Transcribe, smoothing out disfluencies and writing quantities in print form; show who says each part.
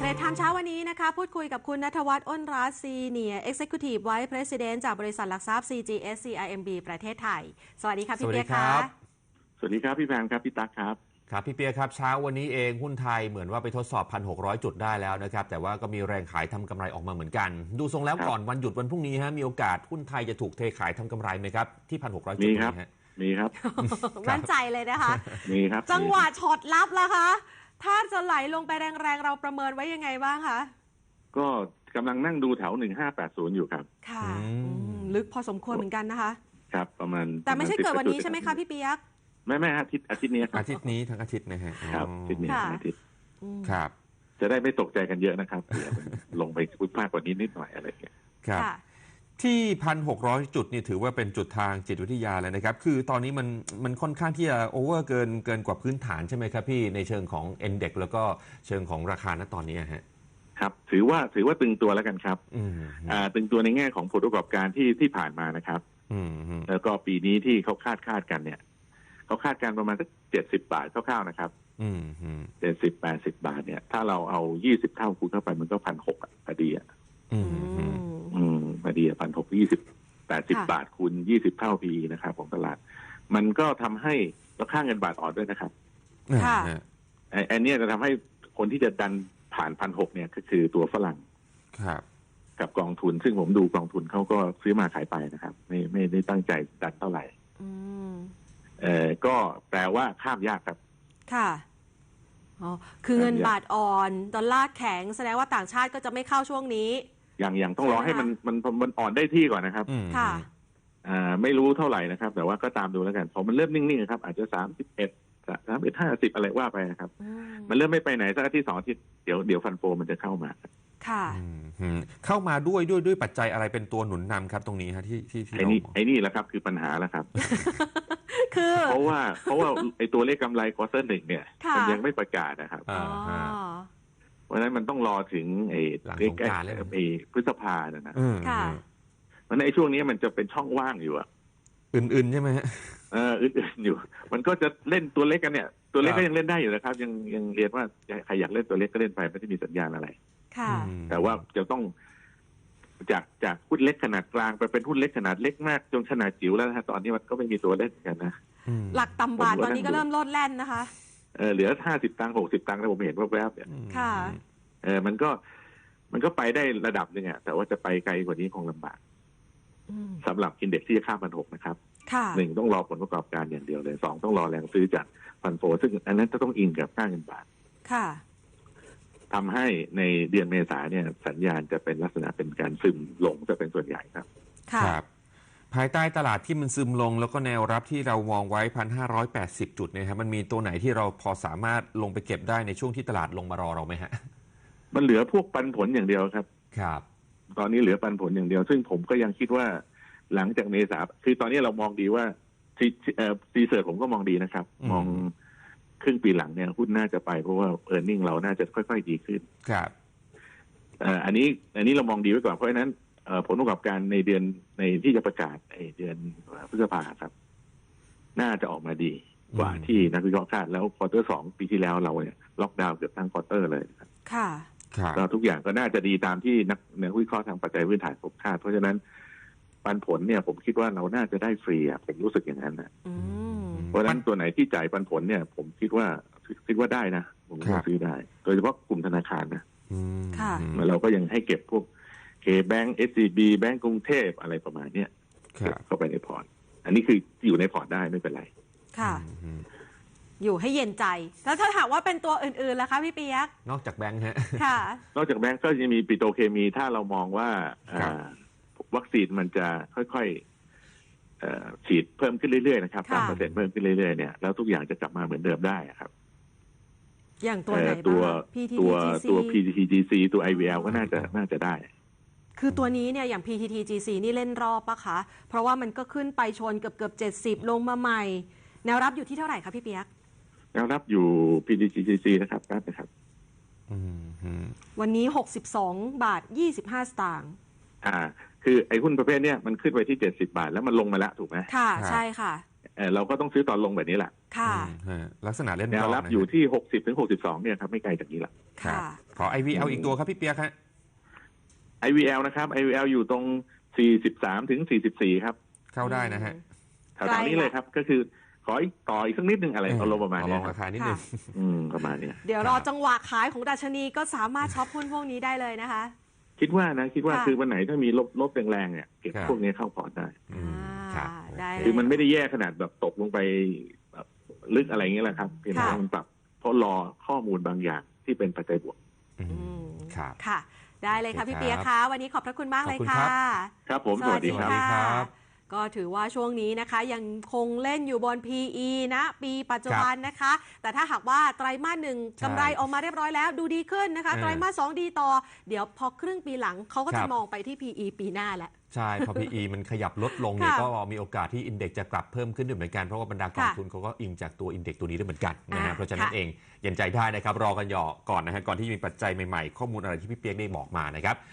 Speaker 1: รดไทม์เช้าวันนี้นะคะพูดคุยกับคุณณัฐวัฒน์ อ้นรัตน์ Senior Executive Vice President จากบริษัทหลักทรัพย์ CGS CIMB ประเทศไทยสวัสดีครับพี่เปียกครับ
Speaker 2: สวัสดีครับพี่แพงครับพี่ตั๊กครับ
Speaker 3: ครับพี่เปียครับเช้าวันนี้เองหุ้นไทยเหมือนว่าไปทดสอบ 1,600 จุดได้แล้วนะครับแต่ว่าก็มีแรงขายทำกำไรออกมาเหมือนกันดูทรงแล้วก่อนวันหยุดวันพรุ่งนี้ฮะมีโอกาสหุ้นไทยจะถูกเทขายทำกำไรไหมครับที่ 1,600 จุดนี้ฮะ
Speaker 2: มีครับ
Speaker 1: มั่นใจเลยนะคะ
Speaker 2: มีครับ
Speaker 1: จังหวะช็อตลับล่ะคะถ้าจะไหลลงไปแรงๆเราประเมินไว้ยังไงบ้างคะ
Speaker 2: ก็กำลังนั่งดูแถว1580อยู่ครับ
Speaker 1: ค่ะลึกพอสมควรเหมือนกันนะคะ
Speaker 2: ครับประมาณ
Speaker 1: แต่ไม่ใช่เกิดวันนี้ใช่ไหมคะพี่เปียก
Speaker 2: ไม่อาทิตย์นี้
Speaker 3: อาทิตย์นี้ทั้งอาทิตย์นะฮะ
Speaker 2: ครับอาทิตย์นี้อาทิตย์
Speaker 3: ครับ
Speaker 2: จะได้ไม่ตกใจกันเยอะนะครับลงไปพุ่งมากกว่านี้นิดหน่อยอะไรอย่างเงี้ย
Speaker 3: ครับที่ 1,600 จุดนี่ถือว่าเป็นจุดทางจิตวิทยาเลยนะครับคือตอนนี้มันค่อนข้างที่จะโอเวอร์เกินกว่าพื้นฐานใช่ไหมครับพี่ในเชิงของ Index แล้วก็เชิงของราคาณตอนนี้ฮะ
Speaker 2: ครับถือว่าตึงตัวแล้วกันครับตึงตัวในแง่ของผลประกอบการที่ผ่านมานะครับแล้วก็ปีนี้ที่เขาคาดกันเนี่ยเขาคาดการประมาณสัก70 บาทคร่าวๆนะครับ70-80 บาทเนี่ยถ้าเราเอา20 เท่าคูณเข้าไปมันก็1,600พอดีพอดี1,620-80 บาทคูณ20 เท่า PE นะครับของตลาดมันก็ทำให้ราคาเงินบาทอ่อนด้วยนะครับอันนี้จะทำให้คนที่จะดันผ่าน1,600เนี่ยก็คือตัวฝรั่งกับกองทุนซึ่งผมดูกองทุนเขาก็ซื้อมาขายไปนะครับไม่ได้ตั้งใจดันเท่าไหร่ก็แปลว่าข้ามยากครับ
Speaker 1: ค่ะอ๋อคือเงินบาทอ่อนดอลลาร์แข็งแสดงว่าต่างชาติก็จะไม่เข้าช่วงนี้
Speaker 2: อย่างต้องรอให้มันอ่อนได้ที่ก่อนนะครับ
Speaker 1: ค่ะ
Speaker 2: ไม่รู้เท่าไหร่นะครับแต่ว่าก็ตามดูแล้วกันพอมันเริ่มนิ่งๆครับอาจจะ31-50อะไรว่าไปนะครับมันเริ่มไม่ไปไหนสักอาทิตย์2 อาทิตย์เดี๋ยวฟันโฟมันจะเข้ามา
Speaker 1: ค่ะ
Speaker 3: เข้ามาด้วยปัจจัยอะไรเป็นตัวหนุนนำครับตรงนี้ฮะที่
Speaker 2: ไอ้นี่แหละครับคือปัญหาแล้วครับ
Speaker 1: คือ
Speaker 2: เพราะว่าไอ้ตัวเลขกำไรควอเตอร์ 1เนี่ยมันยังไม่ประกาศนะครับเพราะฉะนั้นมันต้องรอถึงไอ้พฤษภาเนี่ยนะเพราะฉะนั้นไอ้ช่วงนี้มันจะเป็นช่องว่างอยู่อะ
Speaker 3: อื่นใช่ไหมฮะ
Speaker 2: อื่นอยู่มันก็จะเล่นตัวเล็กกันเนี่ยตัวเล็กก็ยังเล่นได้อยู่นะครับยังเรียนว่าใครอยากเล่นตัวเล็กก็เล่นไปไม่ได้มีสัญญาณอะไรแต่ว่าจะต้องจากหุ้นเล็กขนาดกลางไปเป็นหุ้นเล็กขนาดเล็กมากจนขนาดจิ๋วแล้วนะตอนนี้มันก็ไม่มีตัวเล่นกันนะ
Speaker 1: หลักต่ำบาทตอนนี้ก็เริ่มลดแล่นนะคะ
Speaker 2: เหลือ50 ตังค์60 ตังค์นะผมเห็นแวบๆเนี่ย
Speaker 1: ค่ะ
Speaker 2: มันก็ไปได้ระดับนึงอะแต่ว่าจะไปไกลกว่านี้คงลำบากสำหรับอินเด็กซ์ที่จะข้าม1,600นะครับ1ต้องรอผลประกอบการอย่างเดียวเลย2ต้องรอแรงซื้อจากฟันโฟซึ่งอันนั้นจะต้องอิงกับค่าเงินบาท
Speaker 1: ค่ะ
Speaker 2: ทำให้ในเดือนเมษาเนี่ยสัญญาณจะเป็นลักษณะเป็นการซึมลงจะเป็นส่วนใหญ่ครับ
Speaker 3: ครับภายใต้ตลาดที่มันซึมลงแล้วก็แนวรับที่เรามองไว้ 1,580 จุดนะครับมันมีตัวไหนที่เราพอสามารถลงไปเก็บได้ในช่วงที่ตลาดลงมารอเราไหมฮะ
Speaker 2: มันเหลือพวกปันผลอย่างเดียวครับ
Speaker 3: ครับ
Speaker 2: ตอนนี้เหลือปันผลอย่างเดียวซึ่งผมก็ยังคิดว่าหลังจากเมษาคือตอนนี้เรามองดีว่าซีเสิร์ชผมก็มองดีนะครับมองครึ่งปีหลังเนี่ยหุ้นน่าจะไปเพราะว่าเออร์เน็งเราน่าจะค่อยๆดีขึ้น
Speaker 3: ครับ
Speaker 2: อันนี้เรามองดีไว้ก่อนเพราะฉะนั้นผลประกอบการในเดือนในที่จะประกาศเดือนพฤษภาครับน่าจะออกมาดีกว่าที่นักวิเคราะห์คาดแล้วควอเตอร์ 2ปีที่แล้วเราเนี่ยล็อกดาวน์เกือบทั้งควอเตอร์เลย
Speaker 1: ค่ะ
Speaker 2: ก็ทุกอย่างก็น่าจะดีตามที่นักวิเคราะห์ทางปัจจัยพื้นฐานผมคาดเพราะฉะนั้นปันผลเนี่ยผมคิดว่าเราน่าจะได้ฟรีผมรู้สึกอย่างนั้นนะเพราะฉะนั้นตัวไหนที่จ่ายปันผลเนี่ยผมคิดว่าได้นะผมก็ซื้อได้โดยเฉพาะกลุ่มธนาคารนะเราก็ยังให้เก็บพวกแบงก์ SCB แบงก์กรุงเทพอะไรประมาณเนี้ยเข้าไปในพอร์ตอันนี้คืออยู่ในพอร์ตได้ไม่เป็นไร
Speaker 1: ค่ะอยู่ให้เย็นใจแล้วถ้าถามว่าเป็นตัวอื่นๆล่ะคะพี่เปียก
Speaker 3: นอกจากแบงก์ฮะ
Speaker 1: ค่ะ
Speaker 2: นอกจากแบงก์ก็จะมีปิโตรเคมีถ้าเรามองว่าวัคซีนมันจะค่อยๆฉีดเพิ่มขึ้นเรื่อยๆนะครับตามเปอร์เซ็นต์เพิ่มขึ้นเรื่อยๆเนี่ยแล้วทุกอย่างจะกลับมาเหมือนเดิมได้ครับ
Speaker 1: อย่างตัวไหน
Speaker 2: ตัว PTTGC ตัว IVL ก็น่าจะได้
Speaker 1: คือตัวนี้เนี่ยอย่าง PTTGC นี่เล่นรอบปะคะเพราะว่ามันก็ขึ้นไปชนเกือบ70ลงมาใหม่แนวรับอยู่ที่เท่าไหร่คะพี่เปียก
Speaker 2: แนวรับอยู่ PTTGC นะครับ
Speaker 1: วันนี้62.25 สตางค์
Speaker 2: คือไอ้หุ้นประเภทเนี้ยมันขึ้นไปที่70 บาทแล้วมันลงมาแล้วถูกไหม
Speaker 1: ค่ะใช่ค่ะ
Speaker 2: เราก็ต้องซื้อตอนลงแบบนี้แหละ
Speaker 1: ค่ะ
Speaker 3: ลักษณะเล่น
Speaker 2: แนวรับอยู่ที่60-62เนี่ยครับไม่ไกลจากนี้ละ
Speaker 1: ค่ะ
Speaker 3: ขอ IVL อีกตัวครับพี่เปียกฮะ
Speaker 2: IVL นะครับ IVL อยู่ตรง43ถึง44ครับ
Speaker 3: เข้าได้นะฮะ
Speaker 2: แถวๆนี้เลยครับก็คือขออีกต่ออีกสักนิดนึงอะไรเอาลงประมาณ
Speaker 3: ล
Speaker 2: นี้
Speaker 3: องราคานิดนึง
Speaker 2: ประมาณนี้
Speaker 1: เดี๋ยวรอจังหวะขายของดัชนีก็สามารถช็อปหุ้นพวกนี้ได้เลยนะคะ
Speaker 2: คิดว่าคือวันไหนถ้ามีลบแรงๆเนี่ยเก็บพวกนี้เข้าพอร์ตได้
Speaker 1: ได้
Speaker 2: คือมันไม่ได้แย่ขนาดแบบตกลงไปแบบลึกอะไรเงี้ยแหละครับเพียงแต่มันปรับเพราะรอข้อมูลบางอย่างที่เป็นปัจจัยบวก
Speaker 3: ครับ
Speaker 1: ค่ะได้เลยค่ะพี่เปียกคะวันนี้ขอบพระคุณมากเลยค่ะ
Speaker 2: ครับผมสวัสดีครับ
Speaker 1: ก็ถือว่าช่วงนี้นะคะยังคงเล่นอยู่บน PE นะปีปัจจุบันนะคะแต่ถ้าหากว่าไตรมาส 1กำไรออกมาเรียบร้อยแล้วดูดีขึ้นนะคะไตรมาส 2ดีต่อเดี๋ยวพอครึ่งปีหลังเขาก็จะมองไปที่ PE ปีหน้าแหละ
Speaker 3: ใช่พอ PE มันขยับลดลงเนี่ยก็มีโอกาสที่อินเด็กซ์จะกลับเพิ่มขึ้นด้วยเหมือนกันเพราะว่าบรรดากองทุนเขาก็อิงจากตัวอินเด็กซ์ตัวนี้ด้วยเหมือนกันนะฮะเพราะฉะนั้นเองเย็นใจได้นะครับรอกันก่อนนะฮะก่อนที่มีปัจจัยใหม่ๆข้อมูลอะไรที่พี่เปียกได้บอกมานะครับ